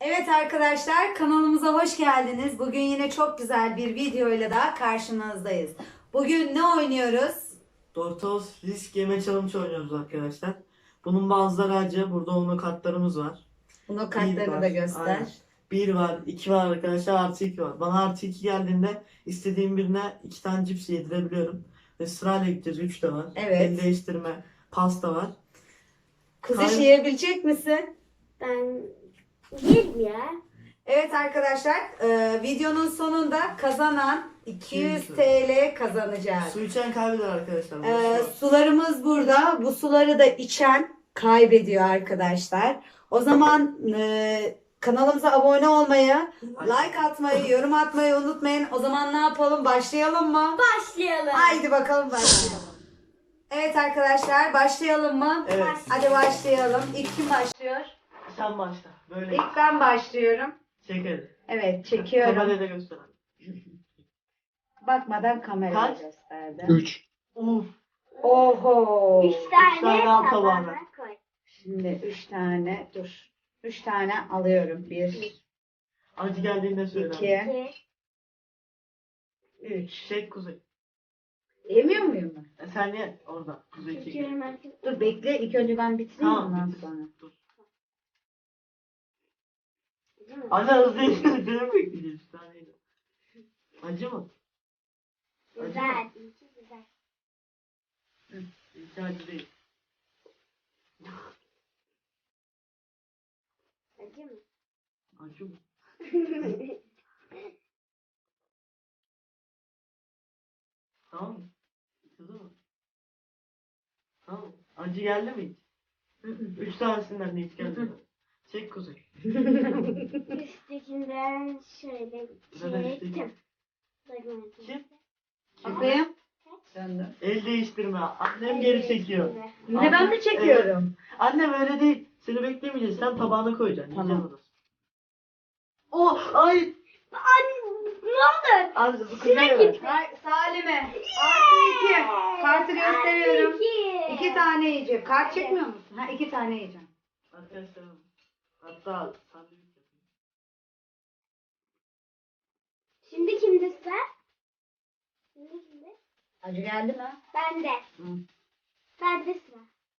Evet arkadaşlar, kanalımıza hoş geldiniz. Bugün yine çok güzel bir videoyla daha karşınızdayız. Bugün ne oynuyoruz? Doritos risk yeme challenge oynuyoruz arkadaşlar. Bunun bazıları acı. Burada onun kartlarımız var. Bunu Bir kartlarını var. da göster. Aynen. 1 var, 2 var arkadaşlar, artı 2 var. Bana artı 2 geldiğinde istediğim birine 2 tane cips yedirebiliyorum. Ve sırayla gideceğiz. 3 de var. Evet. El değiştirme, pasta var. Kuziş yiyebilecek misin? Ben yerim ya. Evet arkadaşlar, videonun sonunda kazanan 200 200 TL kazanacak. Su içen kaybeder arkadaşlar. Bu su. Sularımız burada. Bu suları da içen kaybediyor arkadaşlar. O zaman kanalımıza abone olmayı, like atmayı, yorum atmayı unutmayın. O zaman ne yapalım? Başlayalım mı? Başlayalım. Haydi bakalım başlayalım. Evet arkadaşlar, başlayalım mı? Evet. Hadi başlayalım. İlk kim başlıyor? Sen başla. Böyle İlk ben başlıyorum. çekelim. Evet, çekiyorum. Kamerada göster. Bakmadan kameraya Kaç? gösterdim. 3. Uf. Oho. 3 tane tane al tabağına tabağına. koy. Şimdi 3 tane, dur. 3 tane alıyorum. 1, Acı geldiğinde söyle. 2, 2. 3. Çek kuzey. Yemiyor muyum ben? Sen ye orada. Kuzey çek. Çekiyorum artık. Dur bekle, ilk önce ben bitireyim ondan bitir. sonra. Dur. Değil mi? Anne hızlı içine seni bekleyeceğiz. Bir taneydi. Acı mı? Güzel. İyi, güzel. Hiç acı değil. Acı mı? Acı mı? Tamam mı? Kızı mı? Tamam mı? Acı geldi mi hiç? 3 tanesinden de hiç gelmedi. Çek kuzey. Üsttekinden şöyle Zaten üstteki. çektim. Kim? Bakayım. Döndüm. El değiştirme. Annem geri çekiyor. Ne ben mi çekiyorum? Annem öyle değil. Seni beklemeyeceğiz. Sen tabağına koyacaksın. Tamam. Yiyeceksin orası. Oh! Ay! Anne ne oldu? Anne bu kuzeye Sıra ver. gitti. Salime. Artı 2. Kartı gösteriyorum. İki. 2 tane yiyecek. Kart çekmiyor musun? Ha 2 tane yiyeceğim. Arkadaşlar hatta sandviç yapayım. Şimdi kimde sıra? Şimdi kimde? Acı geldi mi? Bende. Hı. Bende sıra.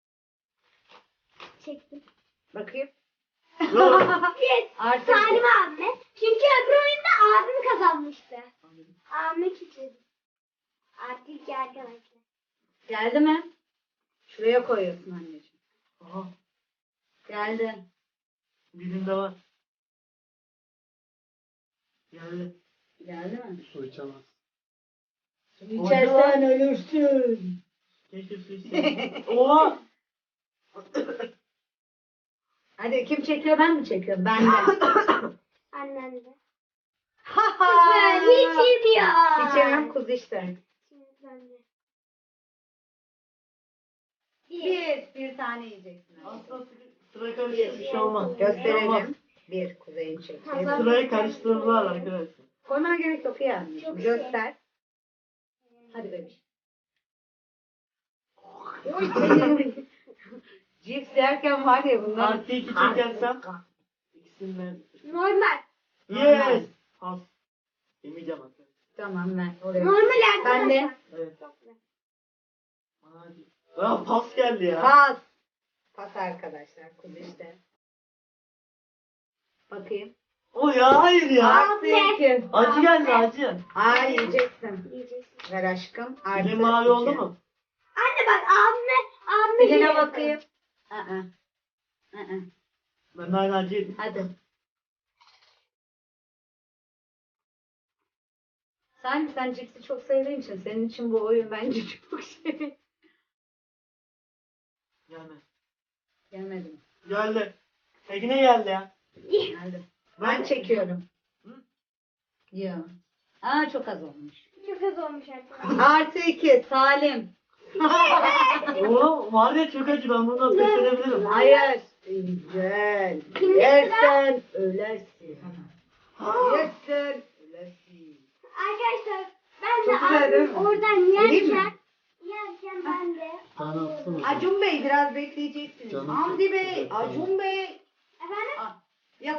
Çektim. Bakayım. Yok. Yes. Artı Salim abime. Çünkü öbür oyunda abim kazanmıştı. Abime kilitledim. Artık iki arkadaşlar. Geldi mi? Şuraya koyuyorsun anneciğim. Aha. Geldi. Birinde var. Geldi. Geldi mi? Su içemez. İçersen ölürsün. Keşke su içseydim. Oha! Hadi kim çekiyor, ben mi çekiyorum? Ben de. Annen de. Ha Ben hiç yemiyor. İçemem kuz işte. Şimdi ben de. Bir tane yiyeceksin. Aslında sıra karıştı, bir şey olmaz. Olmaz. Gösterelim. Bir kuzeyin çekeyim. Sırayı karıştırdılar arkadaşlar. Koymana gerek yok yani. Çok iyi. Göster. Hadi bebiş. Oy senin. Cips yerken var ya bunlar. Artı 2 çekersem ikisinden. Normal. Yes! Pas. Yemeyeceğim arkadaşlar. Tamam ver. Oraya. Normal arkadaşlar. Ben de. Evet. Çok güzel. Hadi. Aa, pas geldi ya. Pas. Pas arkadaşlar. Kuz işte. Bakayım. O ya hayır ya. Artı iki. Acı geldi acı. Hayır yiyeceksin. Yiyeceksin. Ver aşkım. Artı Dilim mavi oldu iki. mu? Anne bak abime Diline yerim. bakayım. Ben de aynı acı yedim. Hadi. Sen cipsi çok sevdiğin için senin için bu oyun bence çok şey. Yani. Gelmedim. Geldi. Tekine geldi ya. Geldi. Ben çekiyorum. Hı? Ya. Aa çok az olmuş. Çok az olmuş arkadaşlar. Artı 2 Salim. Oo, var ya çok acı, ben bundan pes edebilirim. Hayır. Güzel. Kimde Yersen ölersin. Ha. Yersen ölersin. Arkadaşlar ben de Çok güzel değil mi? abim oradan Vereyim mi? yerken ben de Tane atsana. Acun Bey biraz bekleyeceksiniz. Canım Hamdi çok Bey, güzel, Acun Bey. efendim Yakaladım.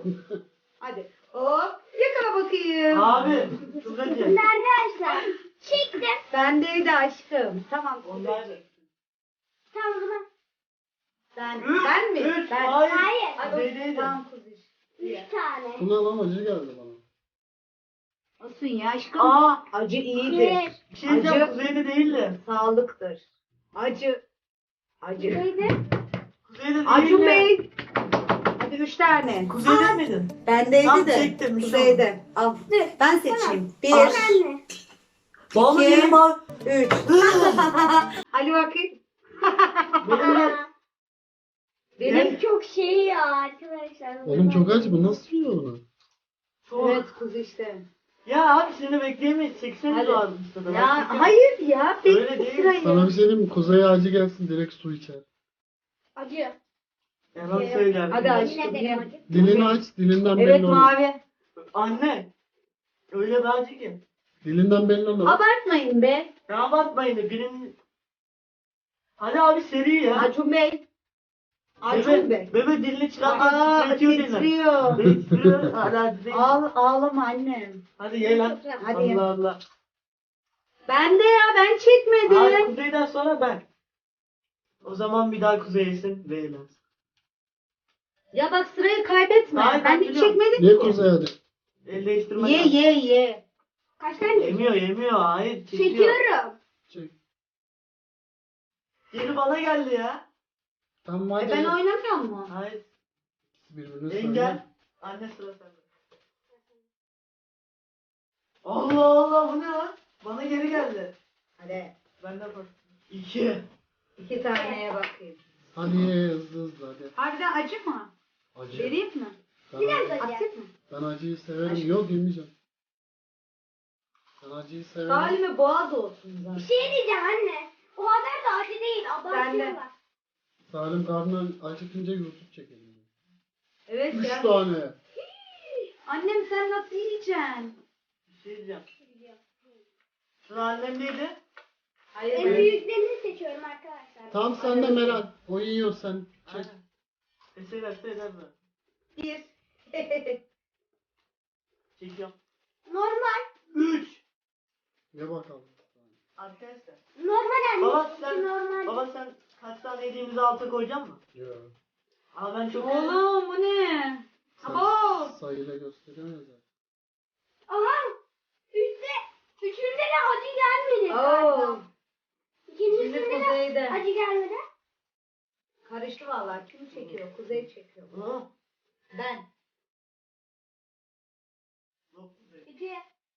Hadi. Hop. Yakala bakayım. Abi çok acı. Şimdi arkadaşlar çektim. Bendeydi aşkım. Tamam. Onlar da. Tamam o zaman. Ben mi? Üç. Ben. Hayır. Hayır. Hadi Kuzeydeydi. tamam kuzuş. 3 tane. Buna lan acı geldi bana. Olsun ya aşkım. Aa. Acı iyidir. Bir. Bir şey diyeceğim. Acı. Kuzeyde değildi. Sağlıktır. Acı. Acı. Neydi? Kuzeyde değildi. Acun Bey. Hadi 3 tane. Kuzeyde miydin? Bendeydi Tamam, de. çektim, bir şey Kuzeyde. Al. Dur. Ben seçeyim. Tamam. 1, Anne. Vallahi İki. benim abi. 3. Hadi bakayım. Benim de. Benim. Çok şey ya arkadaşlar. Oğlum çok acı, bu nasıl yiyor onu? Çok. Evet kuzu işte. Ya abi seni bekleyemeyiz. Çekseniz Hadi. lazım işte. Ya hayır ya. Öyle Bekle değil. sırayı. Sana bir şey diyeyim mi? Kuzeye acı gelsin, direkt su içer. Acı. Yalan söyler. Hadi aşkım. Yine de yem. acı. Dilini aç, dilinden Evet belli olur. mavi. Anne. Öyle bir acı ki. Dilinden belli olur. Abartmayın be. Ya abartmayın da birinin... Hadi abi seri ya. Acun Bey. Acun Bey. Bebe dilini Aa, çıkartmak titretiyor dilini. titriyor. Titriyor. Hadi değil. Ağlama annem. Hadi ye lan. Hadi ye. Allah Allah. Ben de ya ben çekmedim. Abi kuzeyden sonra ben. O zaman bir daha kuzey yesin ve eğlensin. Ya bak sırayı kaybetme. Hayır, ben ben hiç biliyorum. çekmedim Ye ki. Kuzey hadi. El değiştirme. Ye ye ye. Kaç tane? Yemiyor. Hayır çekiyor. Çekiyorum. Çek. Geri bana geldi ya. Tamam hadi. Ben oynamıyor mu? Hayır. Birbirine Engel. Anne sıra sende. Allah Allah bu ne lan? Bana geri geldi. Hadi. Benden bak. 2. 2 taneye bakayım. Hadi ye hızlı hızlı hadi. Harbiden acı mı? Acı. Vereyim mi? Biraz acı. Atayım mı? Ben acıyı severim. Aşkım. Yok yemeyeceğim. Ben acıyı severim. Salime boğaz olsun Bir zaten. şey diyeceğim anne. O kadar da acı değil. Ben de. Abartıyorlar. Salim karnı acıkınca YouTube çekelim. Evet 3 ya. tane. Annem sen nasıl yiyeceksin? Bir şey diyeceğim. Sıra annemdeydi. Hayır En ben. büyüklerini seçiyorum arkadaşlar. Tam sen de Meral. O yiyor sen. Çek. Aynen. Eser eder mi? 1. Çekiyorum. Normal. 3. Ye bakalım. Arkadaşlar. Normal anne. Baba sen, Normal. baba sen kaç tane yediğimizi alta koyacak mısın? Yok. Ama ben çok Oğlum bu ne? Abo. Sayıyla gösteriyoruz ya. Aha. Üçünde de acı gelmedi. Oo. galiba. Şimdi İkincisinde de kuzeyde. acı gelmedi. Karıştı vallahi. Kim çekiyor? Kuzey çekiyor. Hı. Ben. Yok. İki.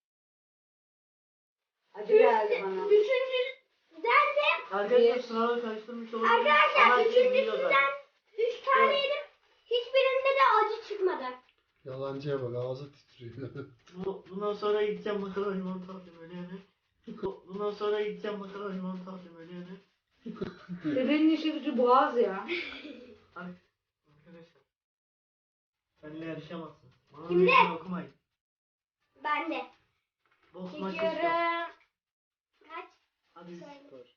Acı geldi bana. Üçüncüden de Arkadaşlar Bir. sınavı karıştırmış olabilir. arkadaşlar Ama herkes biliyor zaten. üçüncüsünden 3 tane Evet. yedim. Hiçbirinde de acı çıkmadı. Yalancıya bak, ağzı titriyor. Bundan sonra gideceğim bakalım limonata alacağım öyle yani. Bundan sonra gideceğim bakalım limonata alacağım öyle yani. Bebeğin işi gücü boğaz ya. Arkadaşlar. Benimle yarışamazsın. Bana Kimde? meydan okumayın. Ben de. Boks maçı Çekiyorum. istiyorum. Kaç? Hadi. Söyle.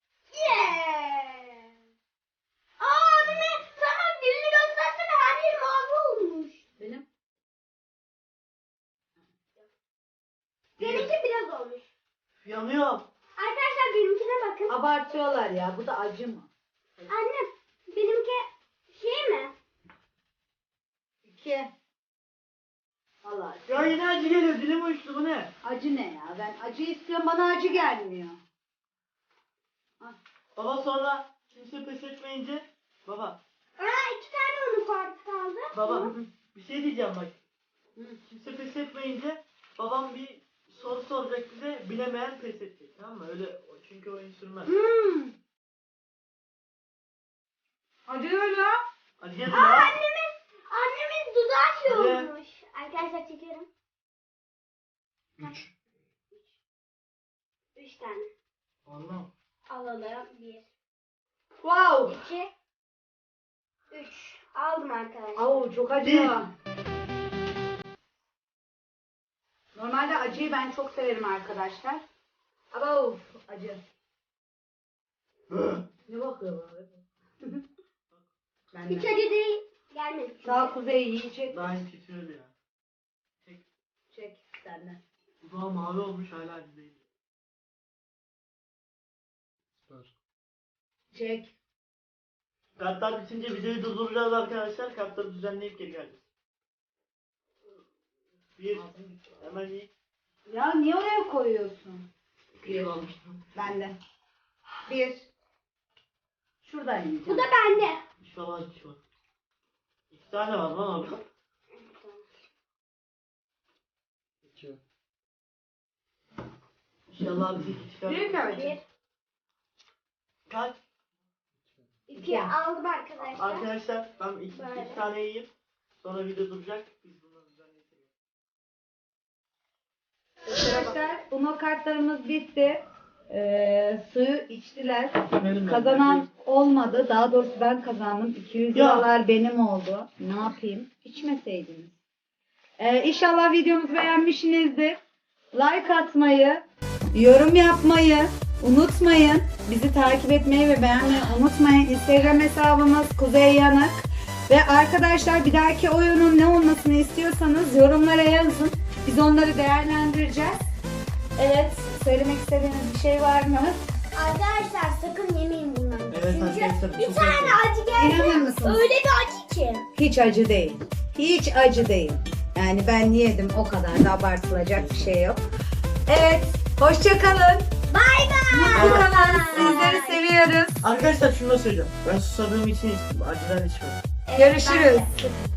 Yeah! Aa anne sana dilini göstersene her yer mavi olmuş. Benim. Benimki biraz olmuş. Yanıyor. Arkadaşlar benimkine bakın. Abartıyorlar ya. Bu da acı mı? Anne benimki şey mi? 2. Allah. Ya yine acı geliyor. Dilim uyuştu bu ne? Acı ne ya? Ben acı istiyorum. Bana acı gelmiyor. Baba sonra kimse pes etmeyince. Baba. Aa 2 tane onun farkı kaldı. Baba. Bir şey diyeceğim bak. Hı. Kimse pes etmeyince babam bir soru soracak bize. Bilemeyen pes edecek. Tamam mı? Öyle çünkü oyun sürmez. Acı öyle. Hadi gelin Aa ya. annemin dudağı şey Hadi. olmuş. Arkadaşlar çekiyorum. 3. 3 tane. Allah. Alalım. 1, Wow. 2, 3. Aldım arkadaşlar. Au çok acı. Normalde acıyı ben çok severim arkadaşlar. Ama of acı. Ne bakıyor abi? Ben Hiç de. acı değil. Gelmedi. Sağ Kuzey yiyecek. Daha iyi titriyordu ya. Çek senden. Dudağı mavi olmuş hala acı değil. Süper. Çek. Kartlar bitince videoyu durduracağız arkadaşlar. Kartları düzenleyip geri geleceğiz. Bir. Hemen iyi. Ya niye oraya koyuyorsun? Bir almıştım. Bende. Bir. Şuradan yiyeceğim. Bu da bende. İnşallah acı var. 2 tane var lan abi. 2. İnşallah bir iki çıkar. Büyük ölçü. Bir. Kaç? 2 aldım arkadaşlar. Arkadaşlar ben iki Böyle. tane yiyeyim. Sonra video duracak. Biz bunları düzenleyeceğiz. Arkadaşlar Uno kartlarımız bitti. Suyu içtiler. Benim Kazanan olmadı. Daha doğrusu ben kazandım. 200 Ya. liralar benim oldu. Ne yapayım? İçmeseydiniz. İnşallah videomuzu beğenmişsinizdir. Like atmayı, yorum yapmayı unutmayın. Bizi takip etmeyi ve beğenmeyi unutmayın. Instagram hesabımız Kuzey Yanık. Ve arkadaşlar bir dahaki oyunun ne olmasını istiyorsanız yorumlara yazın. Biz onları değerlendireceğiz. Evet, söylemek istediğiniz bir şey var mı? Arkadaşlar sakın yemeyin bunları. Evet Çünkü arkadaşlar, bir çok tane acı geldi. İnanır mısınız? Öyle bir acı ki. Hiç acı değil. Hiç acı değil. Yani ben yedim, o kadar da abartılacak bir şey yok. Evet, hoşça kalın. Bay bay. Mutlu kalın. Sizleri seviyoruz. Arkadaşlar şunu da söyleyeceğim. Ben susadığım için acıdan içmedim. Görüşürüz.